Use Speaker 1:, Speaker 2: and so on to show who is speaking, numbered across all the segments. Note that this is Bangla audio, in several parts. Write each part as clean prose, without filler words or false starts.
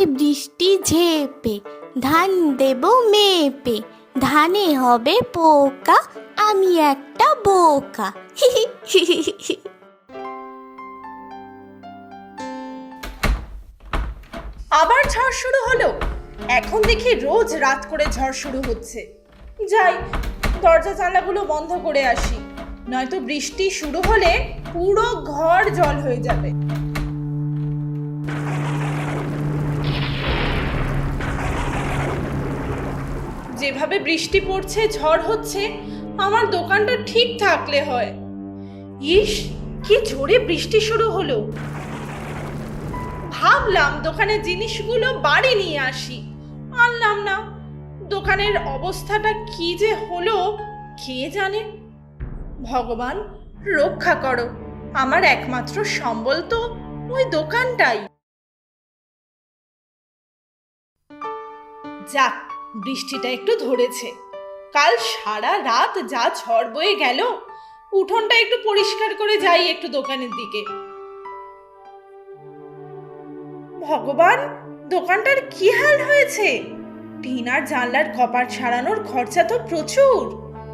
Speaker 1: আয় বৃষ্টি ঝেপে, ধান দেব মেপে, ধানে হবে পোকা, আমি একটা বোকা।
Speaker 2: আবার ঝড় শুরু হলো। এখন দেখি রোজ রাত করে ঝড় শুরু হচ্ছে। যাই, দরজা জানলাগুলো বন্ধ করে আসি, নয়তো বৃষ্টি শুরু হলে পুরো ঘর জল হয়ে যাবে। যেভাবে বৃষ্টি পড়ছে, ঝড় হচ্ছে, আমার দোকানটা ঠিক থাকলে হয়। ইস, কি জোরে বৃষ্টি শুরু হলো। ভাবলাম দোকানের জিনিসগুলো বাড়ি নিয়ে আসি, আনলাম না। দোকানের অবস্থাটা কি যে হলো কে জানে। ভগবান রক্ষা করো, আমার একমাত্র সম্বল তো ওই দোকানটাই। যাক, বৃষ্টিটা একটু ধরেছে। কাল সারা রাত যা ঝড় বয়ে গেল, উঠোনটা একটু পরিষ্কার করে যাই একটু দোকানের দিকে। ভগবান, দোকানটার কি হাল হয়েছে! টিন আর জানলার কপাট সারানোর খরচা তো প্রচুর।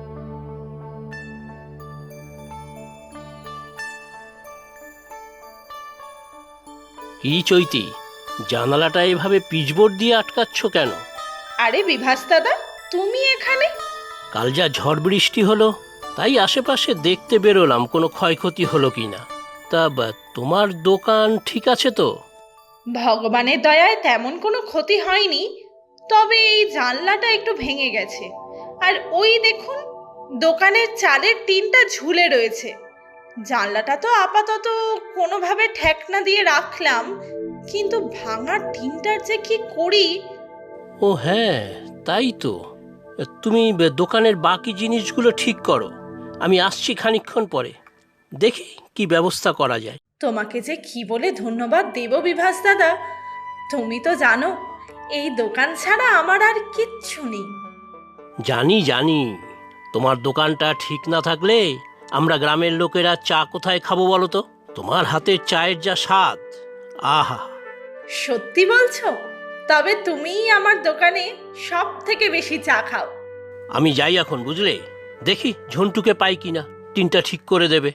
Speaker 3: কি চৈতি, জানালাটা এভাবে পিচবোর্ড দিয়ে আটকাচ্ছ কেন?
Speaker 2: আরে বিভাস দাদা, তুমি এখানে?
Speaker 3: কাল যা ঝড় বৃষ্টি হলো, তাই আশেপাশে দেখতে বেরোলাম কোনো ক্ষয়ক্ষতি হলো কিনা। তা তোমার দোকান ঠিক আছে তো?
Speaker 2: ভগবানের দয়ায় তেমন কোনো ক্ষতি হয়নি, তবে এই জানলাটা একটু ভেঙে গেছে। আর ওই দেখুন, দোকানের চালের টিনটা ঝুলে রয়েছে। জানলাটা তো আপাতত কোনোভাবে ঠেকনা দিয়ে রাখলাম, কিন্তু ভাঙা টিনটার যে কি করি।
Speaker 3: ও হ্যাঁ, তাই তো। তুমি দোকানের বাকি জিনিসগুলো ঠিক করো, আমি আসছি খানিকক্ষণ পরে, দেখি কি ব্যবস্থা করা যায়।
Speaker 2: তোমাকে যে কি বলে ধন্যবাদ দেব বিভাস দাদা। তুমি তো জানো, এই দোকান ছাড়া আমার আর কিচ্ছু নেই।
Speaker 3: জানি জানি, তোমার দোকানটা ঠিক না থাকলে আমরা গ্রামের লোকেরা চা কোথায় খাবো বলো তো? তোমার হাতের চায়ের যা স্বাদ, আহা!
Speaker 2: সত্যি বলছো? তবে তুমিই আমার দোকানে সব থেকে বেশি চা খাও।
Speaker 3: আমি যাই এখন, বুঝলে? দেখি ঝন্টুকে পাই কিনা, টিনটা ঠিক করে দেবে।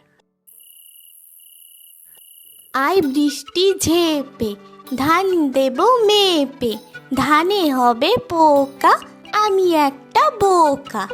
Speaker 1: আয় বৃষ্টি ঝেপে, ধান দেব মেপে, ধানে হবে পোকা, আমি একটা বোকা।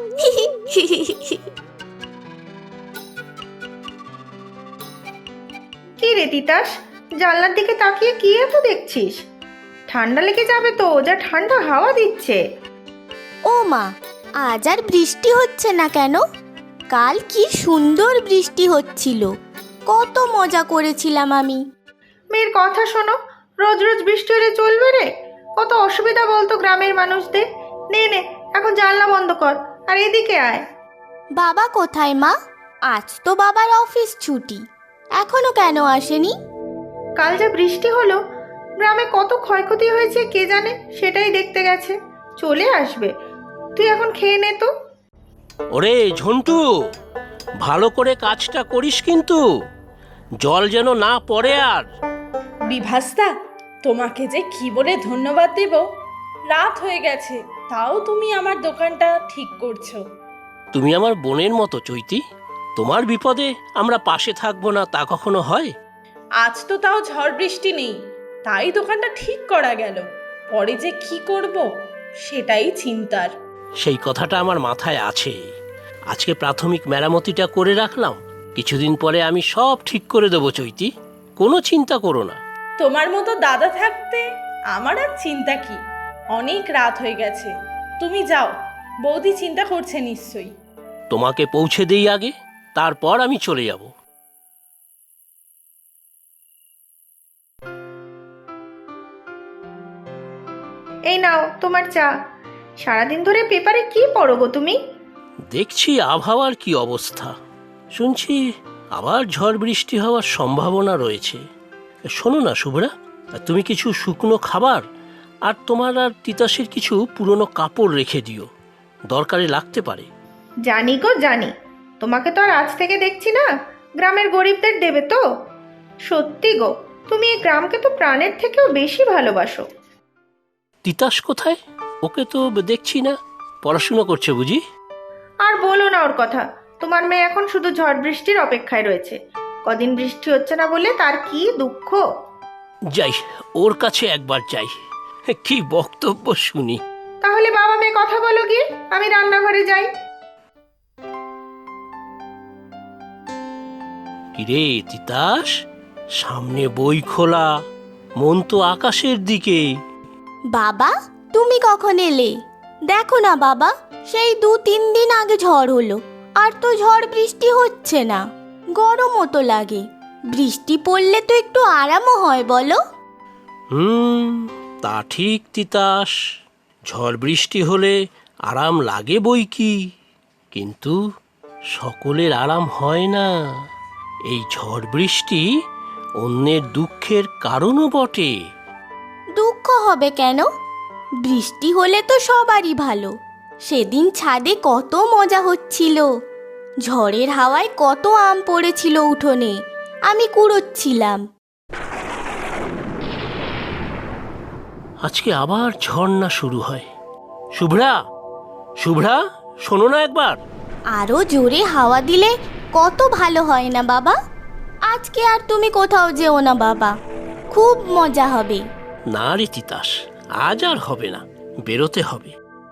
Speaker 4: কি রে তিতাস, জানলার দিকে তাকিয়ে কি এত দেখছিস? ঠান্ডা লেগে যাবে তো, যা ঠান্ডা হাওয়া দিচ্ছে।
Speaker 1: ও মা, আজ আর বৃষ্টি হচ্ছে না কেন? কাল কি সুন্দর বৃষ্টি হচ্ছিল, কত মজা করেছিলাম আমি।
Speaker 4: মেয়ের কথা শোনো, রোজ রোজ বৃষ্টি হলে চলবে রে? কত অসুবিধা বলতো গ্রামের মানুষদের। নে নে, এখন জানলা বন্ধ কর আর এদিকে আয়।
Speaker 1: বাবা কোথায় মা? আজ তো বাবার অফিস ছুটি, এখনো কেন আসেনি?
Speaker 4: কাল যা বৃষ্টি হলো, গ্রামে কত ক্ষয়ক্ষতি হয়েছে কে জানে, সেটাই দেখতে গেছে। চলে আসবে, তুই এখন খেয়ে নে তো।
Speaker 3: ওরে ঝন্টু, ভালো করে কাজটা করিস কিন্তু, জল যেন না পড়ে আর।
Speaker 2: বিভাসদা, তোমাকে যে কি বলে ধন্যবাদ দেব। রাত হয়ে গেছে, তাও তুমি আমার দোকানটা ঠিক করছো।
Speaker 3: তুমি আমার বোনের মতো চৈতি, তোমার বিপদে আমরা পাশে থাকবো না তা কখনো হয়?
Speaker 2: আজ তো তাও ঝড় বৃষ্টি নেই, তাই দোকানটা ঠিক করা গেল। পরে যে কি করব সেটাই চিন্তার।
Speaker 3: সেই কথাটা আমার মাথায় আছে। আজকে প্রাথমিক মেরামতিটা করে রাখলাম, কিছুদিন পরে আমি সব ঠিক করে দেবো চৈতি, কোনো চিন্তা করো না।
Speaker 2: তোমার মতো দাদা থাকতে আমার আর চিন্তা কি। অনেক রাত হয়ে গেছে, তুমি যাও। বৌদি চিন্তা করছে নিশ্চয়ই।
Speaker 3: তোমাকে পৌঁছে দেই আগে, তারপর আমি চলে যাব।
Speaker 4: এই নাও তোমার চা। সারাদিন ধরে পেপারে কি পড়ো গো তুমি?
Speaker 3: দেখছি আবহাওয়ার কি অবস্থা, শুনছি আবার ঝড় বৃষ্টি হওয়ার সম্ভাবনা রয়েছে। শোনো না শুভ্রা, তুমি কিছু শুকনো খাবার আর তোমার আর তিতাসের কিছু পুরনো কাপড় রেখে দিও, দরকারে লাগতে পারে।
Speaker 4: জানি গো জানি, তোমাকে তো আর আজ থেকে দেখছি না, গ্রামের গরিবদের দেবে তো। সত্যি গো, তুমি এই গ্রামকে তো প্রাণের থেকেও বেশি ভালোবাসো।
Speaker 3: তিতাস কোথায়? ওকে তো দেখছি না। পড়াশুনো করছে বুঝি?
Speaker 4: আর বলো না ওর কথা। তোমার মেয়ে এখন শুধু ঝড় বৃষ্টির অপেক্ষায় রয়েছে। কদিন বৃষ্টি হচ্ছে না বলে তার কি দুঃখ।
Speaker 3: যাই, ওর কাছে একবার যাই, কি বক্তব্য শুনি।
Speaker 4: তাহলে বাবা মেয়ে কথা বলো গিয়ে, আমি রান্নাঘরে যাই।
Speaker 3: কিরে তিতাস, সামনে বই খোলা, মন তো আকাশের দিকে।
Speaker 1: বাবা, তুমি কখন এলে? দেখো না বাবা, সেই 2-3 দিন আগে ঝড় হলো, আর তো ঝড় বৃষ্টি হচ্ছে না। গরমও তো লাগে। বৃষ্টি পড়লে তো একটু আরামও হয় বলো।
Speaker 3: তা ঠিক তিতাস, ঝড় বৃষ্টি হলে আরাম লাগে বই কি, কিন্তু সকলের আরাম হয় না। এই ঝড় বৃষ্টি অন্যের দুঃখের কারণও বটে।
Speaker 1: দুঃখ হবে কেন? বৃষ্টি হলে তো সবারই ভালো। সেদিন ছাদে কত মজা হচ্ছিল। ঝড়ের হাওয়ায় কত আম পড়েছিল উঠোনে, আমি কুড়োচ্ছিলাম।
Speaker 3: আজকে আবার ঝড় শুরু হয়। শুভ্রা, শুভ্রা, শোনো না একবার।
Speaker 1: আরো জোরে হাওয়া দিলে কত ভালো হয় না বাবা? আজকে আর তুমি কোথাও যেও না বাবা, খুব মজা হবে।
Speaker 3: না রে তিতাস, আজ আর হবে না, বেরোতে হবে।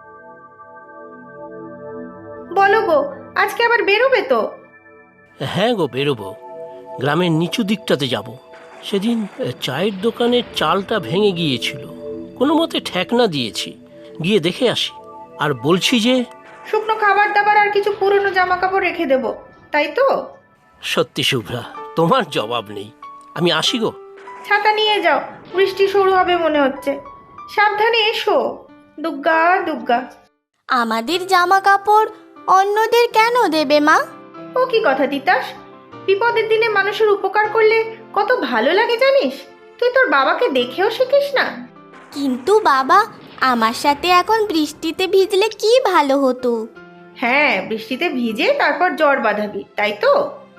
Speaker 4: বলো গো, আজকে আবার বেরোবে তো?
Speaker 3: হ্যাঁ গো, বেরোবো। গ্রামের নিচু দিকটাতে যাব। সেদিন চায়ের দোকানের চালটা ভেঙে গিয়েছিল, কোনো মতে ঠেকনা দিয়েছি, গিয়ে দেখে আসি। আর বলছি যে
Speaker 4: শুকনো খাবার দাবার আর কিছু পুরনো জামা কাপড় রেখে দেবো, তাই তো?
Speaker 3: সত্যি শুভ্রা, তোমার জবাব নেই। আমি আসি গো।
Speaker 4: ছাতা নিয়ে যাও, বৃষ্টি শুরু হবে মনে হচ্ছে। সাবধানে এসো। দুগ্গা দুগ্গা।
Speaker 1: আমাদের জামা কাপড় অন্যদের কেন দেবে মা?
Speaker 4: ও কি কথা তিতাস, বিপদের দিনে মানুষের উপকার করলে কত ভালো লাগে জানিস? তুই তোর বাবাকে দেখেও শিখিস না?
Speaker 1: কিন্তু বাবা, আমার সাথে এখন বৃষ্টিতে ভিজলে কি ভালো হতো।
Speaker 4: হ্যাঁ, বৃষ্টিতে ভিজে তারপর জ্বর বাঁধাবি, তাই তো?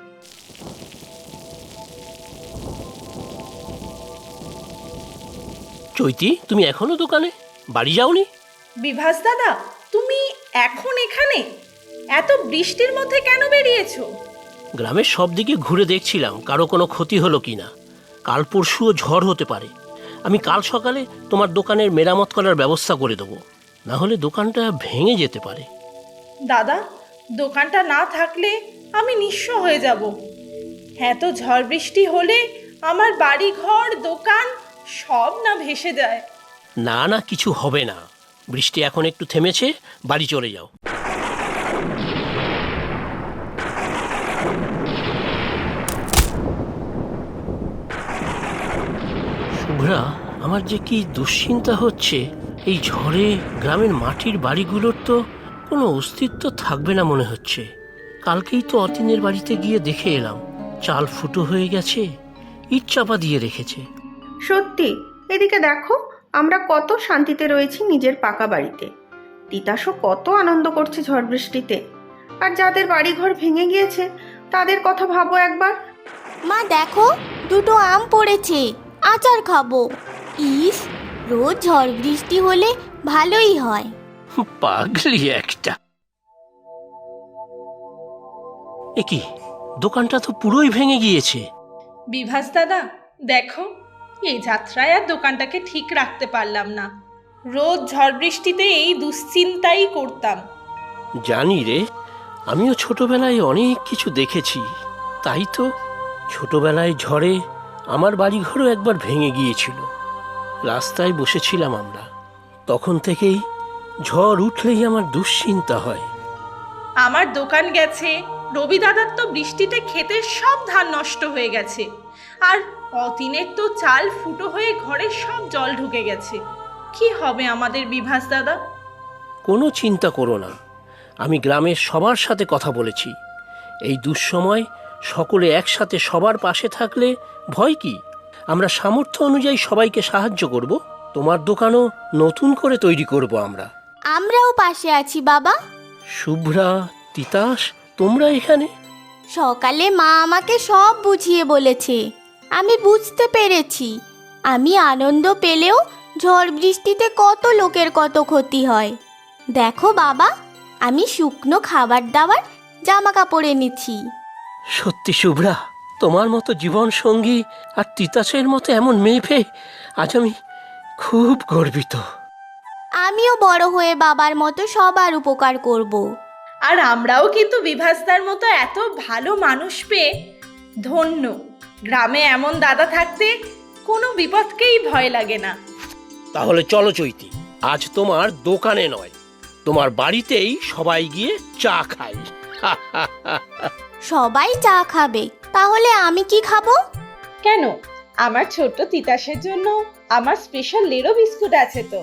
Speaker 3: চৈতি, তুমি এখনো দোকানে, বাড়ি যাওনি?
Speaker 2: বিভাস দাদা, তুমি এখন এখানে? এত বৃষ্টির মধ্যে কেন বেরিয়েছো?
Speaker 3: গ্রামের সব দিকে ঘুরে দেখছিলাম কারো কোনো ক্ষতি হলো কিনা। কাল পরশুও ঝড় হতে পারে। আমি কাল সকালে তোমার দোকানের মেরামত করার ব্যবস্থা করে দেবো, না হলে দোকানটা ভেঙে যেতে পারে।
Speaker 2: দাদা, দোকানটা না থাকলে আমি নিঃস্ব হয়ে যাব। এত ঝড় বৃষ্টি হলে আমার বাড়ি ঘর দোকান সব না ভেসে যায়।
Speaker 3: না না, কিছু হবে না। বৃষ্টি এখন একটু থেমেছে, বাড়ি চলে যাও। শুভ্রা, আমার যে কি দুশ্চিন্তা হচ্ছে। এই ঝড়ে গ্রামের মাটির বাড়িগুলোর তো কোনো অস্তিত্ব থাকবে না মনে হচ্ছে। কালকেই তো অতীনের বাড়িতে গিয়ে দেখে এলাম, চাল ফুটো হয়ে গেছে, ইট চাপা দিয়ে রেখেছে।
Speaker 4: সত্যি, এদিকে দেখো, আমরা কত শান্তিতে রয়েছি নিজের পাকা বাড়িতে। তিতাসও কত আনন্দ করছে ঝড় বৃষ্টিতে। আর যাদের বাড়িঘর ভেঙে গিয়েছে তাদের কথা ভাবো একবার।
Speaker 1: মা দেখো, 2টো আম পড়েছে, আচার খাবো। ইস, রোজ ঝড় বৃষ্টি হলে ভালোই হয়।
Speaker 3: পাগলি একটা। এ কি, দোকানটা তো পুরোই ভেঙে গিয়েছে।
Speaker 2: বিভাস দাদা, দেখো, এই যাত্রায় আর দোকানটাকে ঠিক রাখতে পারলাম না। রোজ ঝড় বৃষ্টিতে এই দুশ্চিন্তাই করতাম।
Speaker 3: জানি রে, আমিও ছোটবেলায় অনেক কিছু দেখেছি। তাই তো, ছোটবেলায় ঝড়ে আমার বাড়িঘরও একবার ভেঙে গিয়েছিল। রাস্তায় বসেছিলাম আমরা, তখন থেকেই ঝড় উঠলেই আমার দুশ্চিন্তা হয়।
Speaker 2: আমার দোকান গেছে, রবি দাদার তো বৃষ্টিতে ক্ষেতের সব ধান নষ্ট হয়ে গেছে, আর অতীনের তো চাল ফুটো হয়ে ঘরে সব জল ঢুকে গেছে। কি হবে আমাদের বিভাস দাদা?
Speaker 3: কোনো চিন্তা করো না, আমি গ্রামের সবার সাথে কথা বলেছি। এই দুঃসময় সকলে একসাথে সবার পাশে থাকলে ভয় কি? আমরা সামর্থ্য অনুযায়ী সবাইকে সাহায্য করব। তোমার দোকানও নতুন করে তৈরি করব আমরা।
Speaker 1: আমরাও পাশে আছি বাবা।
Speaker 3: শুভ্রা, তিতাস, তোমরা এখানে?
Speaker 1: সকালে মা আমাকে সব বুঝিয়ে বলেছে, আমি বুঝতে পেরেছি। আমি আনন্দ পেলেও ঝড় বৃষ্টিতে কত লোকের কত ক্ষতি হয়। দেখো বাবা, আমি শুকনো খাবার দাবার জামা কাপড় এনেছি।
Speaker 3: সত্যি শুভ্রা, তোমার মতো জীবন সঙ্গী আর তিতাসের মতো এমন মেয়ে পেয়ে আজ আমি খুব গর্বিত।
Speaker 1: আমিও বড় হয়ে বাবার মতো সবার উপকার করব।
Speaker 2: আর আমরাও কিন্তু বিভাসদার মতো এত ভালো মানুষ পেয়ে ধন্য। গ্রামে এমন দাদা থাকতে কোনো বিপদকেই ভয় লাগে না।
Speaker 3: তাহলে চলো চৈতি, আজ তোমার দোকানে নয়, তোমার বাড়িতেই সবাই গিয়ে চা খাই।
Speaker 1: সবাই চা খাবে, তাহলে আমি কি খাবো?
Speaker 2: কেন, আমার ছোট্ট তিতাসের জন্য আমার স্পেশাল লেরো বিস্কুট আছে তো।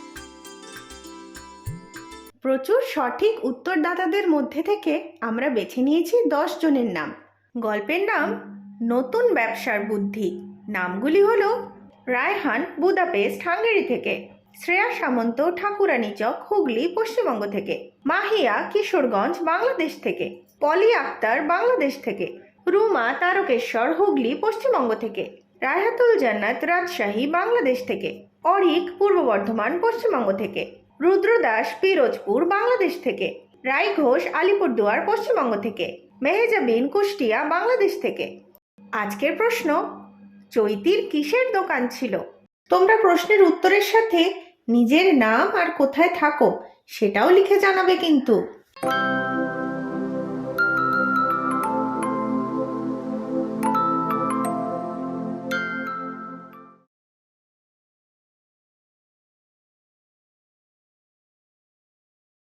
Speaker 4: প্রচুর সঠিক উত্তরদাতাদের মধ্যে থেকে আমরা বেছে নিয়েছি 10 জনের নাম। গল্পের নাম নতুন ব্যবসার বুদ্ধি। নামগুলি হলো রায়হান বুদাপেস্ট হাঙ্গেরি থেকে, শ্রেয়া সামন্ত ঠাকুরানীচক হুগলি পশ্চিমবঙ্গ থেকে, মাহিয়া কিশোরগঞ্জ বাংলাদেশ থেকে, পলি আক্তার বাংলাদেশ থেকে, রুমা তারকেশ্বর হুগলি পশ্চিমবঙ্গ থেকে, রায়হাতুল জান্নাত রাজশাহী বাংলাদেশ থেকে, অরিক পূর্ব বর্ধমান পশ্চিমবঙ্গ থেকে, রুদ্রদাস পিরোজপুর বাংলাদেশ থেকে, রায় ঘোষ আলিপুরদুয়ার পশ্চিমবঙ্গ থেকে, মেহেজাবিন কুষ্টিয়া বাংলাদেশ থেকে। আজকের প্রশ্ন, চৈতির কিসের দোকান ছিল? তোমরা প্রশ্নের উত্তরের সাথে নিজের নাম আর কোথায় থাকো সেটাও লিখে জানাবে কিন্তু।